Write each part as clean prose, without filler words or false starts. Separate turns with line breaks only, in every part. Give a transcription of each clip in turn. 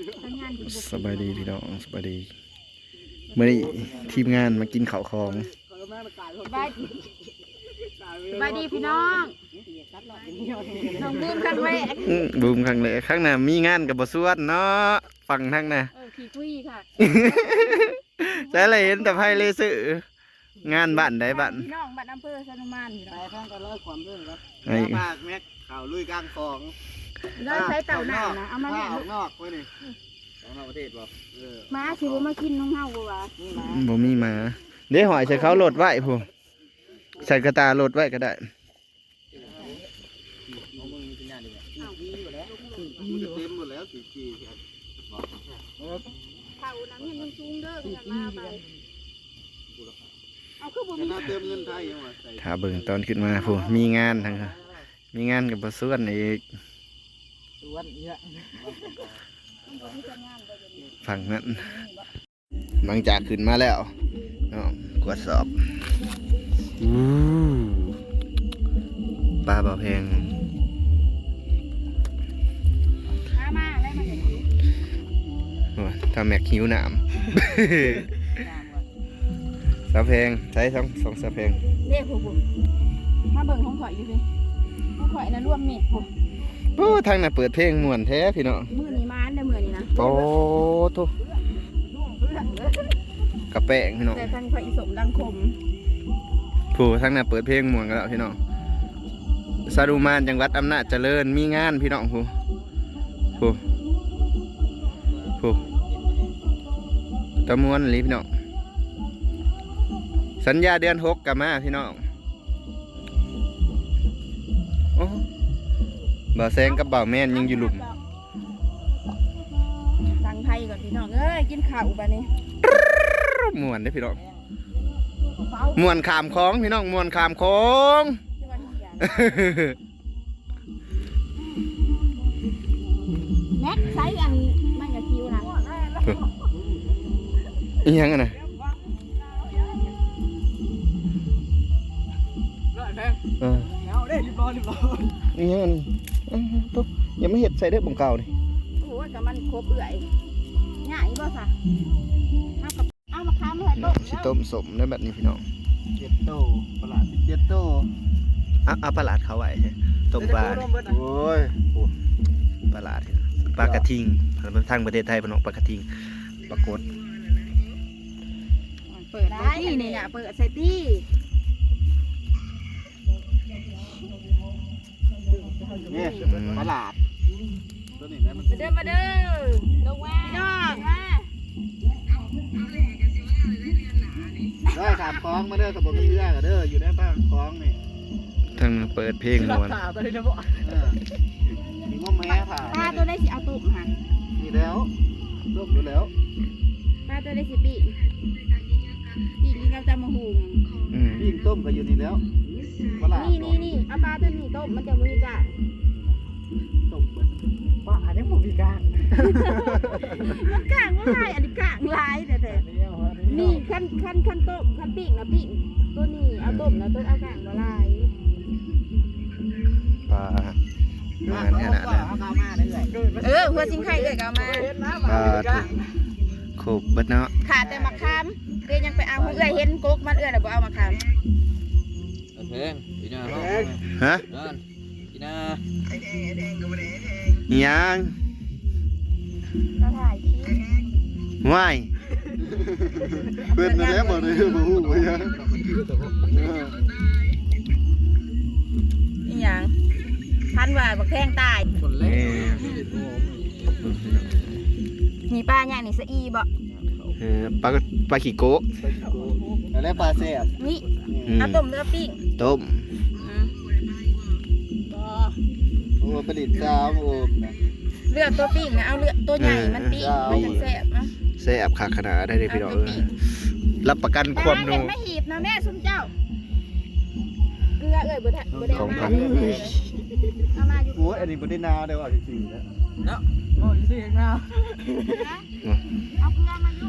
สบายดีพี่น้องสบายดีเมื่อนี้ทีมงานมากินข้าวของ
สบายดีพี่น้องน้องบูมครั้งแรก
บูมครั้งแรกข้างหน้ามีงานกับบสวดเนาะฟังทั้งน่ะ
ขี่คุยค่ะ
แต่อะไรเห็นแต่ไพ่เลสืองานบ้านใดบ้าน
พี่น้องบ้านอำเภอสนุมาน
ไปข้างก็เลิกความเรื่องครับ
ไอ้
ภาคแม็กข่าวลุยกลางคลอง
เราใช้เต่าหนานะเอามาแม่ลูก
นอกไว้นี่นอกประเทศบอก
มาสิบ่มากินน้องเฮาบ่วะ
บ่มีมาเดี๋ยวหอยใส่เขาโหลดไว้พูใส่กระตาโหลดไว้ก็ได้
เต็มหมดแล้วสี่ปี
เต่านังเงินสูงเด้อขนาดมาไปเอาคือบ่มี
เติมเงินไทยยังวะ
ถ้าเบิ่งตอนขึ้นมาพูมีงานทั้งมีงานกับบสวดอีกฝั่งนั้นบางจากขึ้นมาแล้วกวดสอบปลาบ่อแพง
มาได้มาจากนี้
ทำแม็กหิวหนามสะแพงใช้สองสะแพง
เรียกผู้มาเบิ่งของข่อยอยู่ดิของข่อยนะรวมเม็ดผู้
โอ้ทางน่ะเปิดเพลงม่วนแท้พี่น้อง
มื้อนี้มาอันเด้อมื้อนี้นะ
โอ้โธ่กระแป้งพี่น้อง
แต่ทางข่อยสมดังคม
ผู้ทางน่ะเปิดเพลงม่วนกันแล้วพี่น้องสารุมานจังหวัดอำนาจเจริญมีงานพี่น้องผู้ตะมวนหรือพี่น้องสัญญาเดือน6กลับมาพี่น้องโอ้บ่าวแซงกับบ่าวแม่นยังอยู่หลุม
ทางไทยก่อนพี่น้องเอ้ยกินข้าวบัดนี้
ม่วนเด้พี่น้องม่วนขามคลองพี่น้องม่วนขามคลอง
แม็กไซส์อันมันอย่าคิวนะ
อีหยังอ่ะนะ
เอาได้รีบร้อย
อีหยังตุ๊บยังไม่เห็ดใส่เด้อบ่งเก่าดิ
โอ้ยกับมันครบเอื่อยง่ายบ่ซะเอามาค้ามาให้ต้ม
สิต้มสมได้แบบนี้พี่น้อง
7 โตปลา7 โต
เอาปลาดเขาไว้ต้มปลา
โอ้ย
ปลาดปลากระทิงทางประเทศไทยพี่น้องปลากระทิงปลากด
เปิดได้นี่เนี่ยเปิดใส่ตี้
นี่ปลาดตัวนี้นะ
มาเด้อลงมาพี่น้องมา
ได้ขามคลองมาเด้อสมบูรณ์มีเรือกันเด้ออยู่ในบ้านคลองนี่
ทางเปิดเพลงม่วน
มีง้อแม่ผ่า
ปลาตัวได้สิเอาตุ่มค่ะ
มีแล้วต้มอยู่แล้ว
ปลาตัวได้สิปีนี่ก็จะมาหุง
ปิ้งต้มก็อยู่นี่แล้ว
นี่เอาปลาตัวนี้ต้มมันจะมีจ้ะ
ต้มปลาอันนี้ผมมีกลาง
มันกลางว่าไรอันนี้กลางลายแต่นี่ขั้นต้มขั้นปิ้งนะปิ้งตัวนี้เอาต้มนะตัวเอากลางว่าไร
ปลาขนาดนั้น
หัวซิงไข่เลยก็มา
ปลาขบบัดเนาะ
ขาแต่มะขามเอ้ยยังไปเอาเอ้ยเห็นก๊กมันเอ้ยแต่บ่เอามะขาม
เพลงพี่นา
ฮะ
พี่นา
ยัง
ก็ถ่ายคลิป
ว่าย
เพื่อนนั่นแหละบ่ได้บ่ฮู้ว่าหยัง
อีหยังพันว่าบักแทงตายมีปลาอย่างนี่สะอีบ่
ปลาขี้โกะ
แล้วปลาแซ่บ
นี่เอาต้มหรือปิ้ง
ต้ม
โอ้ประดิษฐ์สาวโอมนะ
เลือกตัวปิ้งนะเอาเลือกตัวใหญ่มันปิ้งมันจะแซ่บนะ
แซ่บขาขนาดได้เลยพี่น้องรับประกันความนัว
ไม่หีบนะแม่ซุ่มเจ้าเกลือเอ้ยบ่ได้
ของพัน
เอามาอยู่
โอ้ยอันนี้บ่ได้นาวได้ว่าจริงๆแล้วเนาะโอ้ยสิเองนาว
เอาเกลือมาอยู่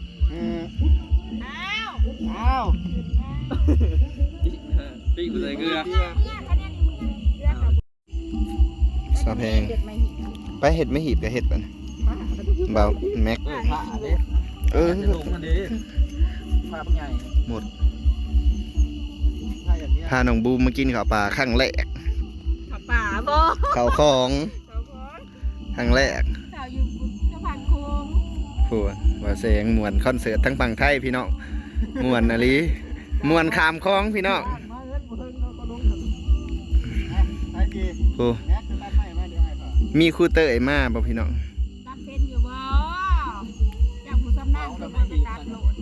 อ้าวปิ้งใส่เกลือ
สะแพงไปเห็ดไม่หีบกับเห็ดป่ะเบาแม็ก
ผ้าเด้
เออ
จะลงมันดีผ้าปังใหญ่
หมด
ผ้าอย่างเนี้ย
พาน้องบูมมากินข้าวปลาครั้งแรก
ขับป่าบ่
ข้าวของ
เขาขอ
ครั้งแรก
เขาอยู่สะพานโค้ง
ผู้ว่าเสียงมวนคอนเสิร์ตทั้งฝั่งไทยพี่น้องมวนอะลีมวนขามคลองพี่น้อง
มาเอิ้นบ่เฮิงก็ลงไอ้กี่
ผู้
แม็กจะตัดไม้มาเดี๋ยวให้พ่อ
มีครูเตยมาบ่พี่น้อง
ตัดเป็นอยู่บ่จากผู้สำนักคือมันจะตัดโหลด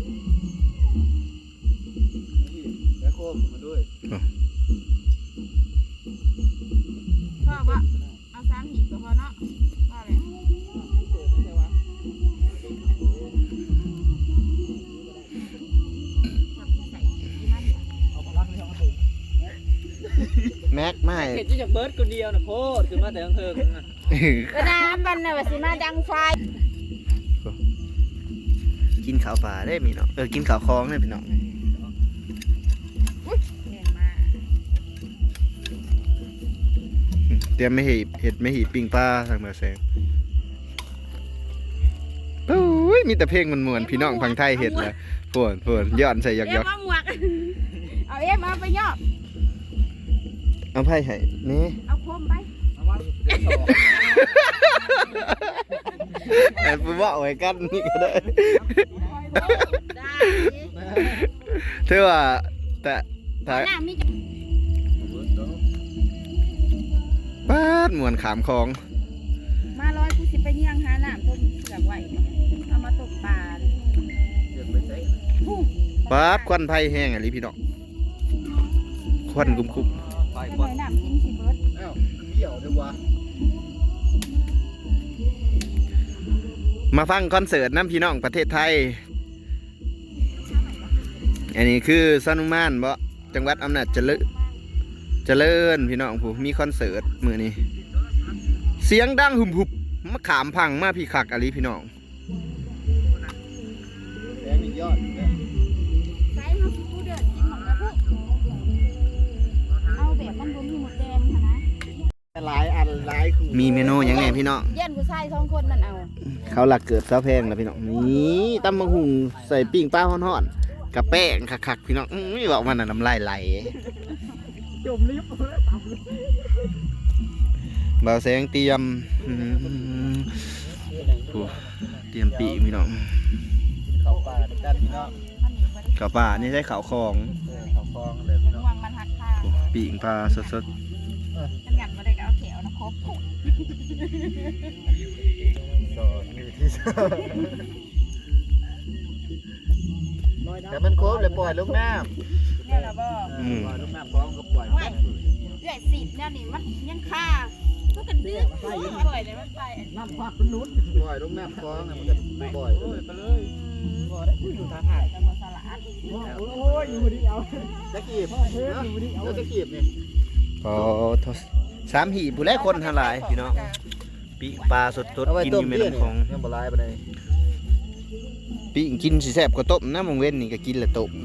แล้วโคมมาด้วย
พ่อบ่เอา3หีบก็พอเนาะว่าแหละจับใส่ที่มันเนี่ย
เอามาลักเลยเอามาถึง
แม็กไม่
เห็นที่จากเบิร์ดคนเดียวนะโพดคือมาแต่เทิงๆนะ
ก็น้ำมันน่ะว่าสิมาดังไฟ
กินข้าวปลาได้พี่น้องกินข้าวคลองได้พี่น้อง
เรียนมา
เตรียมไม่หีบเห็ดไม่หีบปิ้งปลาทางเมืองแสงโอ้ยมีแต่เพลงมันมวนๆพี่น้องพังไทยเห็ดเลยฝนย้อนใส่หย
เอ็
อก
มเอาหมวกเอาเอ็มเอาไปย่อ
ๆเอาไพ่ให้นี่
เอาโคมไป
เอามาเดี๋ยวต่อ
แต่ไปว่าไว้กันนี่ก็ได้
ได้
เท่าว่าแต่
หน้ามีจะ
ป้าดมวนขามคลอง
มาร้อยกูสิไปเยี่ยงหาน้ำต้มเสือกไหวเอามาตกปลา
เดี๋ยวไปใช้
ผู้
ป้าดควันไผ่แห้งอะไรพี่น้องควันกุม
ไป
ไป
ก่อน
น้ำกินสิเบิร์ด
เอ้าเดี่ยวเดี๋ยววะ
ๆมาฟังคอนเสิร์ตน้ำพี่น้องประเทศไทย อันนี้คือซานุมานบ่จังหวัดอำนาจเจริญพี่น้องผู้มีคอนเสิร์ตมื้อนี้ เสียงดังหุบมาขามพังมาพี่คักอะไรพี่น้อง
แดงนี่ยอดเนี่ย
ใส่มาสิกูเดือดกินหมดแล้วพวกเอาแบบมันบ่มีหมดแดงค่ะนะ
หลายอันหลายคู่
มีเมนูหยังไงพี่น้อง
เย็นกูใส่2คนนั่นเอา
เขาหลักเกือบซาแพงแล้วพี่น้องนี่ตำบักหุ่งใส่ปิ้งปลาฮ้อนๆกับแป้งคักๆพี่น้องไม่บอกมันน่ะน้ำลายไหล
จมลิฟต์เลย
บ่าวแสงเตรียมโอ้เตรียมปีกพี่น้อง
เข้าป่าด้วยกันพี่น้อง
มันนี่บ่ได้
กับป่านี่ใช้ข้าวของ
เข้าคลองเลยพี่น้อง
วางมันหักข้าง
โอ้ปิ้งปลาสด
กันยันบ่ได้ก็เอาแขวนะครบ
สอนนี่ที่สอนแต่มันโค้งเลยปล่อยลูกน้ำ
เนี่ยล่ะบ่
ปล่อยลูกน้ำคลองก็ปล่อย
เอื้อยสิเนี่ยนี่มันยังค่าก็กันเดือดอร่อยเลยมันไป
น้ำพักมันลุ้นปล่อยลูกน้ำคลองเนี่ยมันจะปล่อยไปเลยปล่อยได้อยู่ทางหาด
จะมาสลัด
โอ้ยอยู่ดีเอาตะกีบแล้วตะกีบนี่
ๆพอทศสามหีบผู้แรกคนทลายพี่น้องปิ้งปลาสดๆกินอยู่แม่น้ำของ
ยังบ่ลายไปเลย
ปิ้งกินสิแซ่บกว่าต้มนะมงเว้นนี่ก็กินและต้ม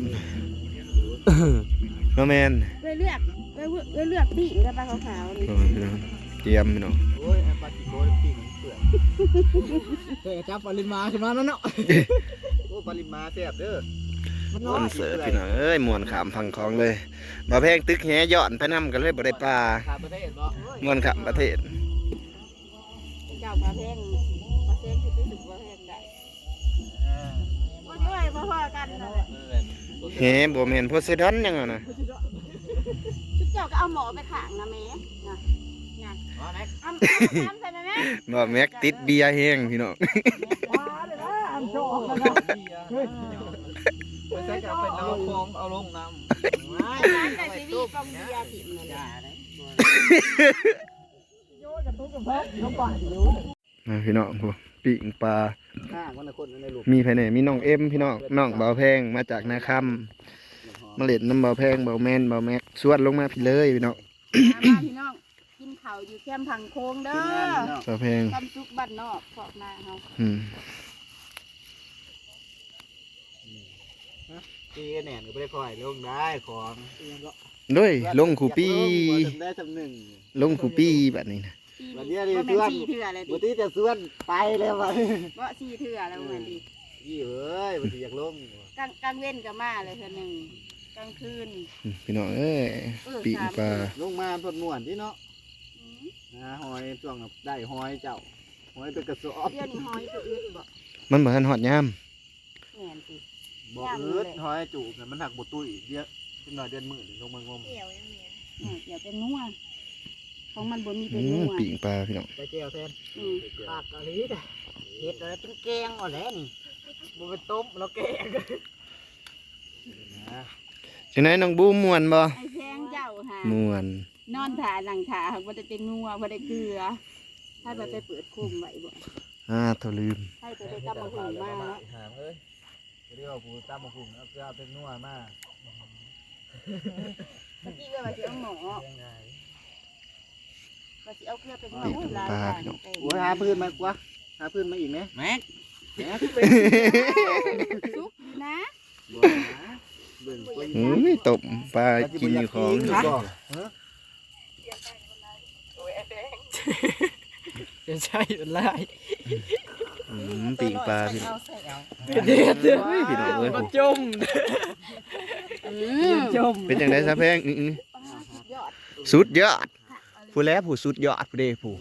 เนาะแม่น
เลือกปีกกับปลาขาวๆนี่
โอ้ยพี่น้องเตรียมพี่น้อง
โอ้ยปลาจิโก้ปีกมันเปื่อยเฮ้ยจับปลาลินมาขึ้นมาแล้วเนาะโอ้ปลาลินมาแซ่บเด้อ
คอนเสิร์ตพี่น้องเอ้ยม่วนขามพังคลองเลยบ่แพงตึกแหย้อนไปนำกันเลยบ่ได้ปลา
ข้ามประเทศบ่
ม่วนขามประเทศ
เจ้าปลาแพงที่ไปถึงปลาแพงได้ว่าด้วยพ่อๆกันนั่นแหละ
แหบ่แม่นโพไซดอนหยังอะนะ
ชุดเจ้าก็เอาหมอไปขางนะแม่นะนะ
มาแม็ก
เอาน้ำใส่ไหมแม่
บ่แม็กติดเบียร์แห้งพี่น้อง
มาเลยนะอันโจกแล้วนะเฮ้ยไปใส่กับเป็นเอาคลองเอาลงน้ำ
น้ำใส่ซีรีส์กองเบียร์ติดเงิน
โยนกับตุ๊กกับแพ้เขาป่าอยู่
พี่น้องผู้ปิ้งปลา
ข้างวันละคนในลูก
มีภายในมีน้องเอ็มพี่น้องน้องเบาแพงมาจากนาคำมาเล่นน้ำเบาแพงเบาแมนเบาแม็กสวดลงมาพี่เลยพี่น้อง
พี่น้องกินข้าวอยู่แคมป์ผังโค้งเด้อ
เบาแพง
คำซุกบ้านนอกขอบนาเฮา
ตีแหน่นก็ไม่ได้คอยลงได้ของ
ด้วยลงขู่ปี้
ได้จำหนึ่ง
ลงขู่ปี้แบบนี้นะ
ปีนี้บ่แม่น4เทื่อเลย
บ่
ดิ
ที่จะส่วนไปแล้วว่ะ
บ่4เทื่อแล้วเหมือนดิ
ยี่เอ้ยบ่สิอยากลง
กลางเว้นก็มาเลยเทื่อหนึงกลางคืน
พี่น้องเอ้ยปีกปลา
ลงมาเพิ่นม่วนที่เนาะหาหอยช่วงได้หอยเจ้าหอยเป็นกระสอบ
เดี๋ยวนี้หอยก็อึดบ่
มันบ่ทันฮอดยาม
แม่นสิ
บ่อึดหอยจูบเนี่ยมันหักบ่ตุ้ยเยอะขึ้นหน่อยเดือนมื้อลงมางม
เดี๋ยวเป็นนัวของมันบ่มีเป็น
อื
นั
ม
ว
ปีกปลาพี่น้อง
ไปแก้วแทน
อืม
ปากกะลีจ้ะเฮ็ดอะไรเป็นแกงเอาแหล้วนี่บ่เป็นต้มแล้วแกงนะ
จังได๋น้องบูมม่วนบ่
ไอ้แพงเจ้าหา
ม่วน
นอนถ่าหลังถ่าบ่ได้เป็นนัวบ่ได้เกลือถ้าแบบไปเปิดคุมไว้บ่
โทรลืม
ให้ไปได้กลับมาหุงมาเนาะ
หามเอ้ยเรียกว่ากูตำบักหุ่งเอาเกลือเป็นนัวมา
เมื่อกี้ก็ว่าสิเอาหมอ
ยังไง
ว่าสิเอาเกลือเป็นนัว
ปีก
โอ้ยหลาย
ปลา
อย่าง
พี่น้อง
โอ้ยหาพื้นมากว่าหาพื้นมาอีกไหม
แม็ก
แหม
สุกอยู่นะ
บ่นะเบิ่งคน
อืมตบปลากินอยู่ของ
จะใช่เป็นไร
ปีกปลาพี่น้อง
เอาใส่เอา
เด็ด
เฮ้ยพี่น้องเอ้ย
มาจม จม
เป็นจังได๋ซะแพง
ยอด
สุดยอดผู้แลผู้สุดยอดผู้เด้ผู้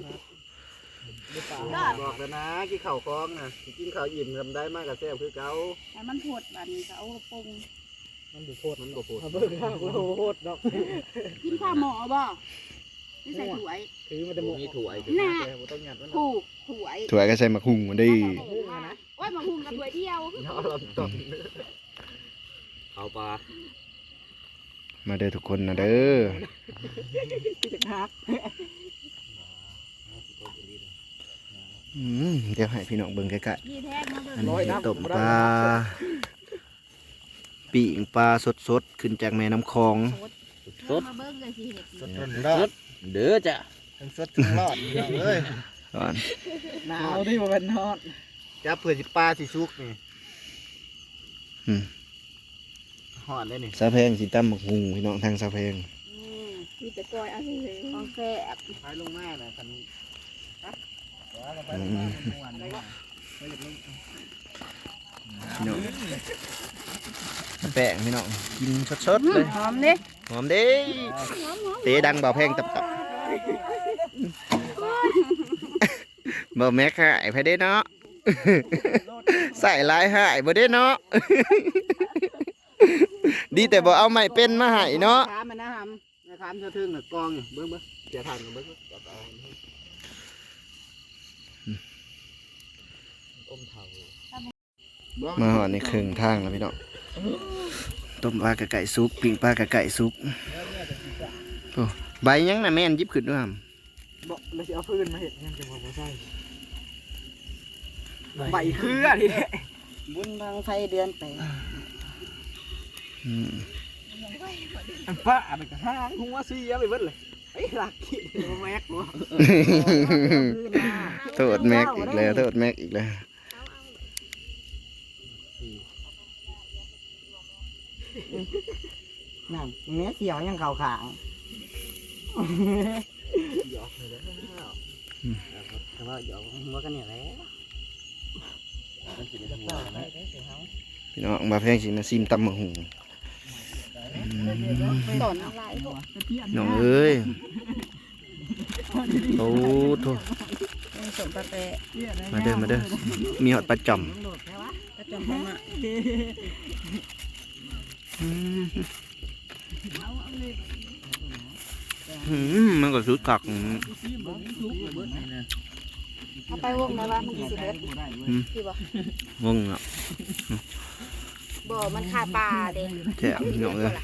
บอกแล้วนะกินข้าวคล้องนะกินข้าวอิ่มทำได้มากกับแซ่บคือเก่า
ให้มันโผดบัดนี้ก็เอาปรุง
มันบ่โพดมันบ่โพด
เบิ่งข้าวกูโคตรดอก
กินข้าวหมอบ่นี่ใส่ถ้วย
ถือมันจะมีถั่วอีกนะแต่บ่ต้องหยัดมัน
ถูกถ้วย
ถั่วก็ใส่มะฮุ่งมาดิ
โอ้ยมาหุงกับถ้วยเดียว
เนาะเราต้องเอาปลา
มาเด้อทุกคนนะเด้อ
พี่จะพัก
เดี๋ยวให้พี่น้องเบิ่งใกล้
นี่แท้มาเบิ่
ๆ
ง
อันนี้ต้มปลาปีกปลาสดๆขึ้นจากแม่น้ำคลอง
มาเบิ่งเลยสิเห็ด
สดรอด
เด้อจ้ะ
ทั้งสดทั้งรอดเอ้ย
ก่อน
หนาวที่มันเป็นทอด
จับเผื่อสิปลาสิสุกนี่
อืม
หอดได้นี่
ซาแพงสิตำบักฮุ่งพี่น้องทางซาแพง
มีแต่กอยเอาสิของแซ่บ
ท้ายลงมาน่ะคันไปลงมาม่วนเลย
พี่น้องแป้งพี่น้องกินสดๆเลย
หอมดิ
หอมเด้เตะดังเบาแพงตับๆบ่แม็กหายไปเด้เนาะใส่ลายหายบ่เด้เนาะดีแต่บ่เอาไม้เป็นมาให้เนาะ
ขามันนะฮัมนะคามเธอถึงน่ะกองเบิ่งเสียทานเบิ่งจับเอาอมเฒ่า
มาหอดในครึ่งทางแล้วพี่น้องต้มปลากระไก่ซุปปิ้งปลากระไก่ซุปโอ้ใบยังน่ะแม่นหยิบขึ้นด้วยครับ
บ่แล้วสิเอาพื้นมาเฮ็ดยังจะบ่ใช่ใบเครือนี่แหละ
บุญบางไฟเดือนแปด
อืม
อันป้ามันก็หางหัวเสียไปเบิดเลยไอ้หลักขี้บ่แม็กบ่
โทษแม็กอีกแล้วโทษแม็กอีกแล้ว
นั่นเนื้อเสียวยังเข่าขางหยอกเลยแล้วแต่ว่าหยอกหัวกันเนี่ยแหละมันสิได้หัวนะ
พี่น้องมาแพงสิมาซิมตำมะหุง
ต้นอะไรพวก
น้องเอ้ยโอ้โถ
สมปะเปะ
มาเด้อมาเด้อมีหอดปลาจ่อม
กระจมพม่า
มันก็สุดคัก
เอาไปวงไหนวะมันสิเบิดพี่บ่
งงอ่ะ
บ่มันขาปลาเด้
แซ่บพี่น้องเอ้ย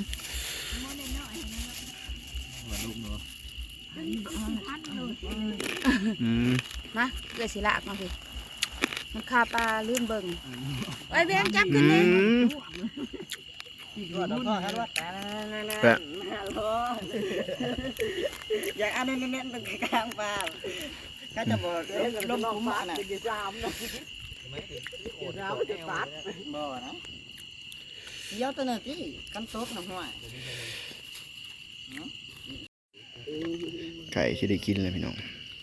มาเลยสิลากมาสิมันขาปลาลืมเบิ่งไอ้แบงจับขึ้นเลย
อยากอันเน้นๆตรงกลางปลาก็จะบอกลมคุ้มน่ะจะจามนะจะจามจะตัดบ่นะเดี๋ยวตัวนึงที่กันซบหน่อย
ไก่ที่ได้กินเลยพี่น้อง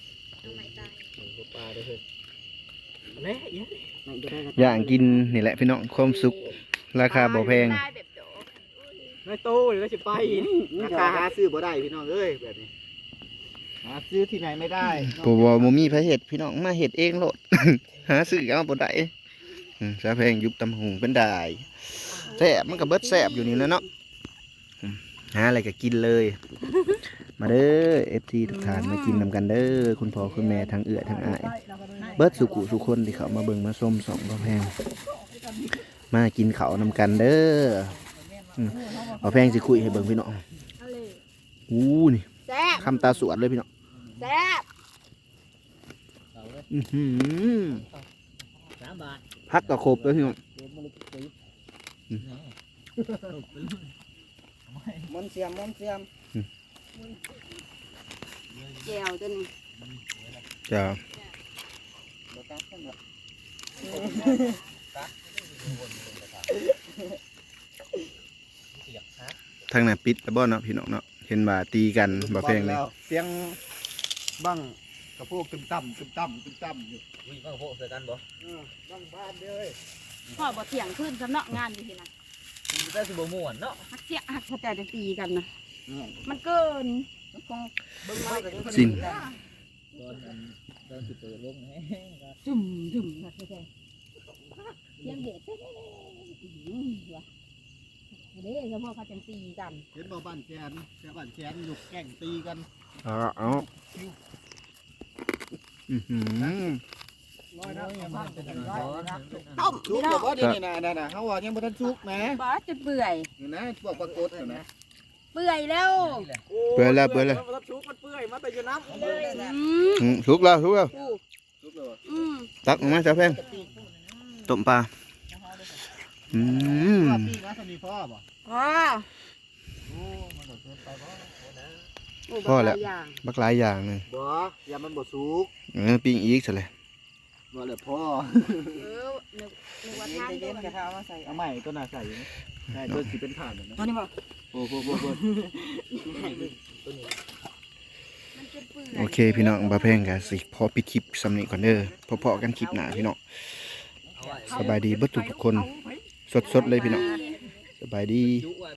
อย่างกินนี่แหละพี่น้องความสุขราคาบ่แพง
ได้แบบโด
ไม่โตหรือว่าสิไป
ราคาหาซื้อบ่ได้พี่น้องเอ้ยแบบนี้หาซื้อที่ไหนไม่ได้
บ่มีไผเฮ็ดพี่น้องมาเฮ็ดเองโลด หาซื้อเอาบ่ได้ซาแพงยุบตำหุงเป็นได้แซ่บมันก็เบิดแซ่บอยู่นี่แหล้วเนาะหาอะไรก็กินเลย มาเด้อ FT ทุกท่านมากินนำกันเด้อคุณพ่อคุณแม่ทั้งเอื้อทั้งอ้ายเบิดสุขุสุคนที่เขามาเบิ่งมาส้มสองบ่แพงมากินข้าวนำกันเด้อบ่แพงสิคุยให้เบิ่งพี่น้อง
เอาเลย
อู้นี่
แซ่บ
คำตาสวดเลยพี่น้อง
แซ่บ
อื้อหือ
3 บาท
พักก็ครบแล้วพี่น้อง
มนต์เสียม
แก้วตัวนี้
จ้า
บ่ตัดกันหรอก
ทางนั้นปิดแล้วบ่เนาะพี่น้องเนาะเห็นว่าตีกันบ่แพงเลย
เสียงบังกระโพกตึมต่ำอยู่
วิ่งมาโผล่ใส่กันบ่
บังบ้านเด้อ
พ่อบ่เถียงขึ้นสำเนาะงานอยู่ที่นั่น
ได้สิบ่ม่วนเนาะ
ฮักเสียฮักเขาแต่จะตีกันนะมันเกิน
สิ้น
ตอนสิเปิดลงแฮง
จุ่มจุ่มนะแท้ๆเสียงเด็ดเด้ว่ะเด้เฉพาะเขาจังตีกัน
เห็นบ่บ้านแกนแต่บ้านแกนอยู่แก่งตีกัน
เอาอื้อหือ
น้อยนะ
ต้ม
ชุ
พี่
ก
น้อง
บ่นี่น่ะเฮาว่ายังบ่ทันชุกแหม
บ่จะเปื่อย
นี่นะพวกปรากฏน่ะนะ
เปื่อยแล้ว
เปื่อยแล้ว
มันชุกมันเปื่อยมาแต่อยู่น้ำ
สุกแล้ว
ชุกแล้ว
อืม
ตักออกมาจ้าแพงต้มปลา
ว่าปีนะสมีพ่อบ่
อ๋อ
โอ้มันก็เกินไปบ่
พอแล้วบักหลายอย่างเลย
บ่อย่ามันบ่สุก
ปิ้งอีกซะเลย
บ่เลยพ่อ
นึกว่าทางตัวมัน
เอาใหม่ตัวน่ะใส่อยู่นี่ใช่ตัวสิเป็นถาดนะ
ตัวนี้บ่
โอ้โห
มันจะเปื่อย
โอเคพี่น้องบ่แพงก็สิพอปิดคลิปสำนี้ก่อนเด้อพอๆกันคลิปหน้าพี่น้องสบายดีเบิดทุกคนสดๆเลยพี่น้องสบายดี